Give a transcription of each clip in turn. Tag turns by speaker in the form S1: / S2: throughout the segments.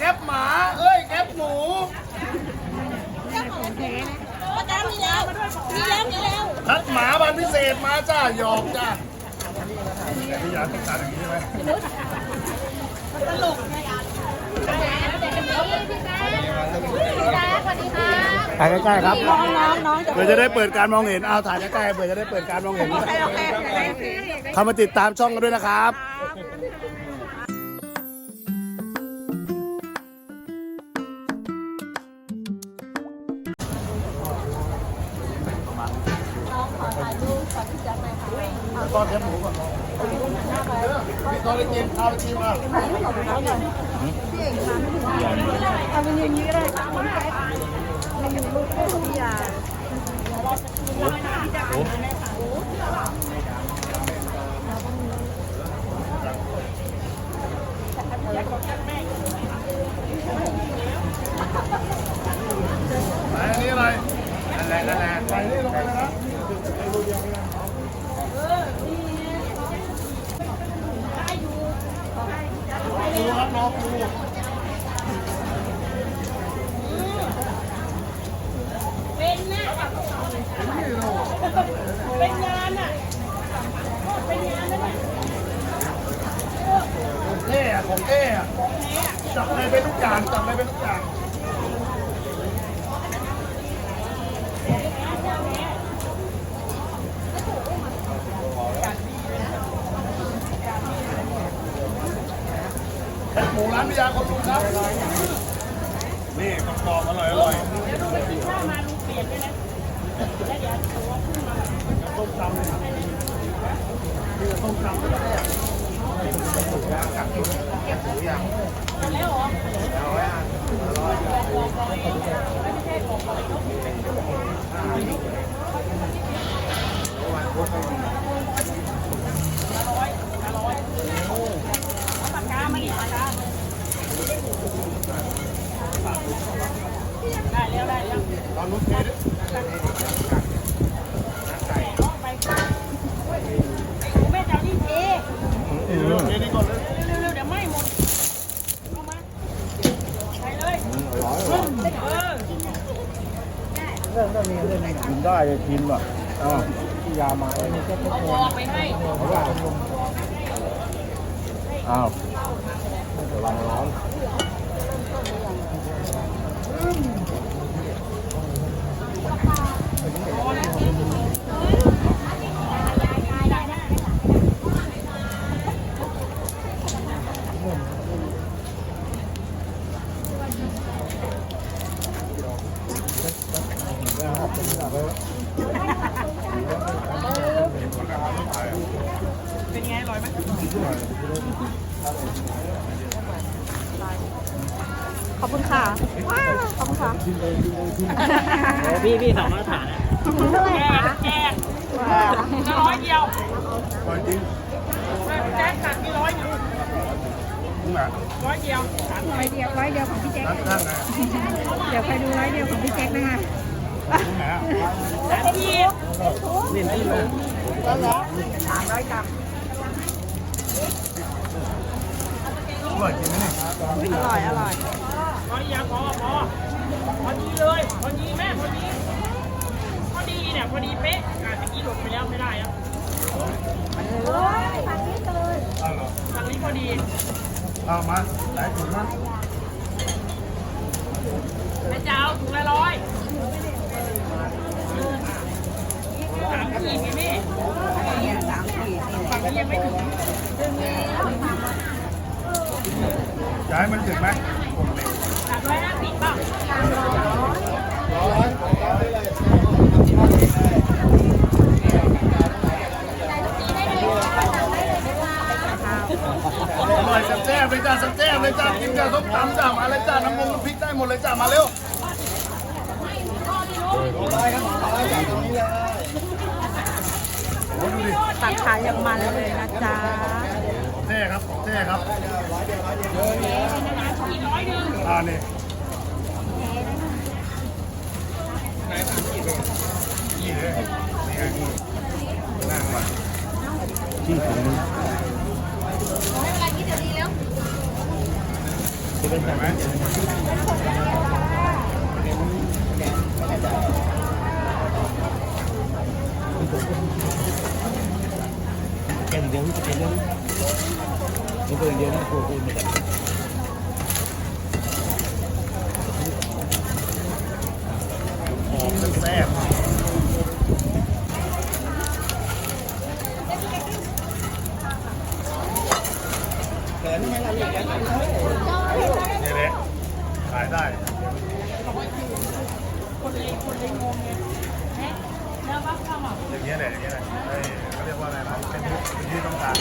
S1: คปหมาเอ้ยแคปหมูทัดหมาบันพิเศษมาจ้าหยอกจ้าพี่ยาต้องการอย่างนี้ใช่ไหมตลกถ่ายใกล้ๆครับเพื่อจะได้เปิดการมองเห็นเอาถ่ายใกล้ๆเพื่อจะได้เปิดการมองเห็นเข้ามาติดตามช่องกันด้วยนะครับตอนแคบหมูก่อนตอนได้กินเอาไปชิมมา
S2: เอาเป็นอย่างนี้เลยคุณแจ๊คไม่มีลูกให้พี่ยา
S1: อันนี้อะไรนั่นแหละใส่นี่ลงไปเลยนะดูครับน้องดู
S3: เป็นนะเป็นงานอ่ะเป็นงานนะเนี่ย
S1: ของเท่จับอะไรเป็นทุกอย่างจับอะไรเป็นทุกอย่างหมูร้านพิยาคนลุงครับนี่กรอบๆอร่อยเดี๋ยวดูไปกินข้าวมาลุงเปลี่ยนด้วยนะแล้วเดี๋ยวต้มตำเลยต้มตำแล้วเหรอปากกามาดิปากกาได้แล้วตอนนู้นเจ๊ดิแม่เจ้านี่เจ๊เจ๊นี่ก่อนเลยเร็วเดี๋ยวไหม้หมดเอามาใส่เลย
S4: เรื่องนี้กินได้กินแบบยามาเอา
S3: บอกไปให้
S4: เขาว่าอ้าวระวังร้อน
S3: เป็นไงอร่อยไหม
S2: ขอบคุณค่ะขอบคุณค่ะ
S4: พี่สองมาตรฐานนะ
S3: แจก100เดียว
S1: จริง
S3: แจ๊คตัดมี100อยู่100เดียว
S2: ร้อยเดียวของพี่แจ๊ค
S1: นั่งไง
S2: เดี๋ยวไปดู100เดียวของพี่แจ๊คนะคะ
S3: พี่
S4: นี่ที่ลง
S1: อ
S2: 300 กรัม
S1: ร่อยจริงไหมเนี่ย
S2: อร่อย
S3: พอดีพอดีเลยพอดีแม่พอดีเนี่ยพอดีเป๊ะตะกี้หลุดไปแล้วไม่ได้ครับทางนี้พอดี
S1: เอามาไหนถุงมั้ง
S3: แม่เจ้าถุงละ100 3 ขีดไงแม่ฝั่งนี้ยังไม่ถึง
S1: ย้ายมันถึงไหม
S3: 350ป่ะ
S1: อร่อยแซ่บเลยจ้าแซ่บเลยจ้ากินกับส้มตำจ้ามาเลยจ้าน้ำมันพริกได้หมดเลยจ้ามาเร็ว
S2: ตักขายยังมันเลยนะจ๊ะ
S1: แท้ครับแท้ครับนี่นี่เลยนั่งมา
S4: ที่ผมเป็นแบบไหมแกงเดียวที่เป็นเรื่องมันเป็นเดียวที่โคตรมีแต่หอมแซ่บนี่แหละขายได้
S3: คนเลยงงไงแล้วว่าเข้ามา
S4: อย่างเงี้ยแหละอย่างเงี้ยแหละเขาเรียกว่าอะไรนะเป็นที่ต้องการ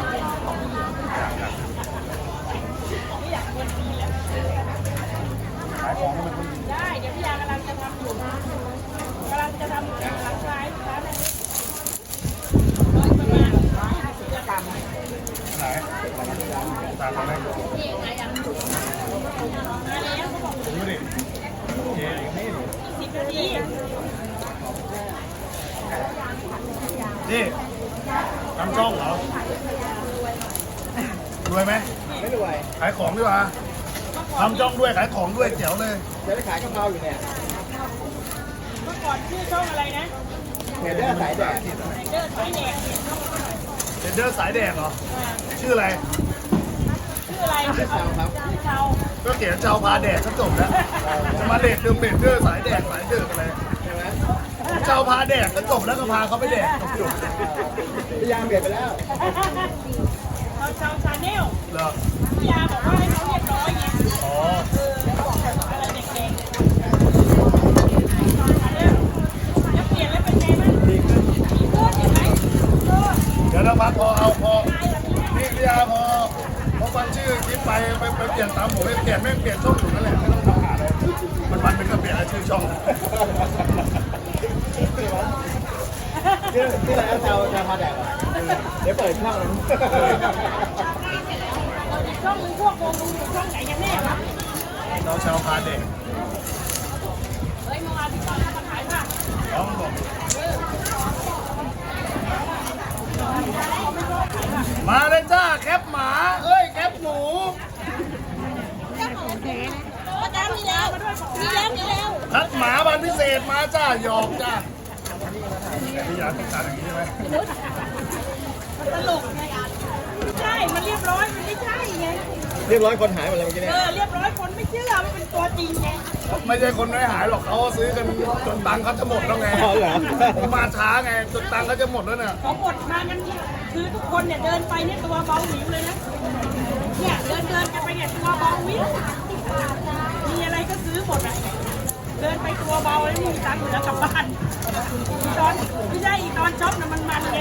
S4: อยากคนดีแล้วขายของมัน
S3: ได้เดี๋ยวพี่ยากำลังจะทำอยู่กำลังจะทำหลังซ้ายร้านนี้ประมาณ150 กรัม
S4: ไหนตามมาได้
S3: นี่ไงยังมาแล้วเขาบอก
S4: ดูดิเจ๊อย่างนี้
S3: 10 นาที
S4: นี่ทำช่องเหรอรวยไหม
S1: ไม่รวย
S4: ขายของดีกว่าทำช่องด้วยขายของด้วยเจ๋วเลย
S1: จะได้ขายกะเพราอยู่เนี่ย
S3: เมื่อก่อนชื่อช่องอะไรนะ
S1: เห็นได้สายแดด
S3: เดินสายแดง
S4: เดนเดอร์สายแดงเหรอชื่ออะไร
S3: ชื่ออะไร
S1: เช้าครับ
S3: ชื่อเชา
S4: ก็เขียนเจ้าพาแดดก็จบแล้วจะมาเด็ดเดิมเด็ดเดอร์สายแดดสายเดอร์อะไร
S1: ใช่ไหม
S4: เจ้าพาแดดก็จบแล้วก็พาเขาไปแดดจบ
S1: พยายามเปลี่ยนไปแล้ว
S3: เชาชาแนล
S4: เหรอ
S3: พี่ยาบอกว่าให้เขาเรียบร้อยไง
S4: อ๋อ
S3: อะไรเด็กๆแล้วเปลี่ยนแล้วเป็นไงบ้างดีขึ้นเห็นไหม
S4: เดี๋ยวเราพักพอเอาพอนี่พี่อาพอฟังชื่อคลิปไปเปลี่ยนตามผมไม่เปลี่ยนไม่เปลี่ยนช่องอยู่นั่นแหละไม่ต้องทำหาเลยมันเป็นก็เปลี่ยนชื่อช่อง
S1: ที่ร้านเช้าพาแดดเดี๋ยวเปิดช่อง
S3: ช่องมึงพวกวงมึงอยู่ช่องไหนกันแน่วะ
S4: เราชาวพาเด็ก
S3: เฮ้ยเมื่อวานพี่ตอนมาขายป่ะ
S4: น้องบอกมาเลยจ้าแคปหมาเอ้ยแคปหมู
S2: ประจำมีแล้วมีแล้ว
S4: ทัดหมาบันพิเศษมาจ้าหยอกจ้าพี่ยาต้องการอย่างนี้ใช่ไหม
S3: ตลกไงไม่ใช่ มันเรียบร้อย มันไม่ใช่ไง
S1: เรียบร้อยคนหายหมดเลยเมื่อกี้เนี่ย
S3: เรียบร้อยคนไม่เชื่อมันเป็นตัวจริงไง
S4: ไม่ใช่คนไม่หายหรอกเขาซื้อกันจนตังค์เขาจะหมดแล้วไงมาช้าไงจนตังค์เขาจะหมดแล้วเนี่ย
S3: ของหมดมากันคือทุกคนเนี่ยเดินไปเนี่ยตัวเบาหวิวเลยนะ เนี่ยเดินกันไปเนี่ยตัวเบาหวิวมีอะไรก็ซื้อหมดอ่ะ เดินไปตัวเบาแล้วไม่มีตังค์เหลือกลับบ้านอีตอนไม่ใช่อีตอนช็อปน่ะมันไง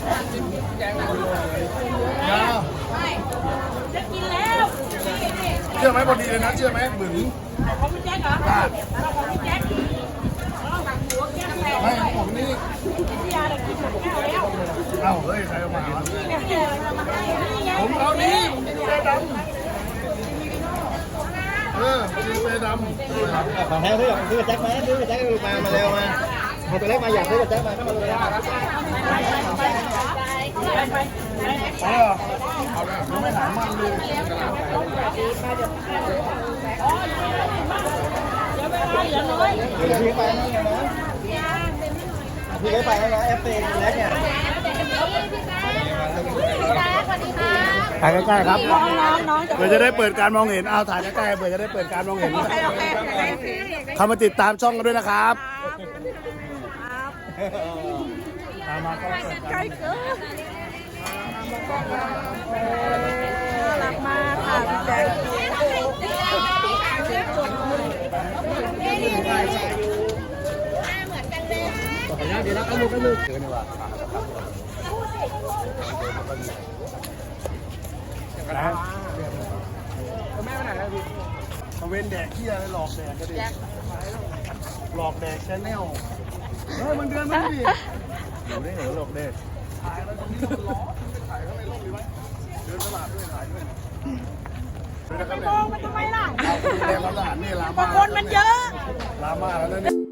S3: จะกินแล้ว
S4: เชื่อไหมพอดีเลยนะเชื่อไหมบึ๋ง
S3: ของพี่แจ๊คเหรอของพี่แจ๊คหัวแก้วแตก
S4: ไม่ผมนี่
S3: พี่ยาเลยกินหมดแก้วแล้ว
S4: เอ้าเฮ้ยใครเอามาวะ
S3: นี่ไงนี่ไง
S4: ผมเอานี้เสื้อดำมีเสื้อดำ
S1: ของแท้ซื้อซื้อแจ็คไหมซื้อแจ็คมาเร็วมาพอตัวเล็กมาอยากซื้อแจ็คมาก็มาเลย
S3: ไป
S4: เอาเหรอเอาเลยยังไม่หายมันเลย
S3: อ๋อเดี๋ยวเวลาเหลือน้อย
S1: พี่ไปนะพี่ไปแล้วนะFPแล้วเนี่ยถ่ายใกล้ๆครับ
S2: น้อง
S4: เพื่อจะได้เปิดการมองเห็นเอาถ่ายใกล้ๆเพื่อจะได้เปิดการมองเห็นเข้ามาติดตามช่องกันด้วยนะครับมาก็
S2: ใกล้เกินหลับมาค่ะพี่แจ๊ค
S1: เดี๋ยวเราเอาลูกเอาลูก
S4: เกินดีกว่านะแม่ไปไหนแล้วพี่เว้นแดกเที่ยเลยหลอกแดกก็ดีหลอกแดกแชนแนลเฮ้ยมันเดือนมันดิหนูได้หนูหลอกแดกถ่ายแล้วตรงนี้มันร้อนถ่ายข้างในร่มดีไหมเดินตลาดด้วยถ่ายด้วย
S3: ไปมองมันทำไมล่ะ
S4: ในตลาดนี่ลา
S3: บางคนมันเยอะ
S4: ลามาแล้วเนี่ย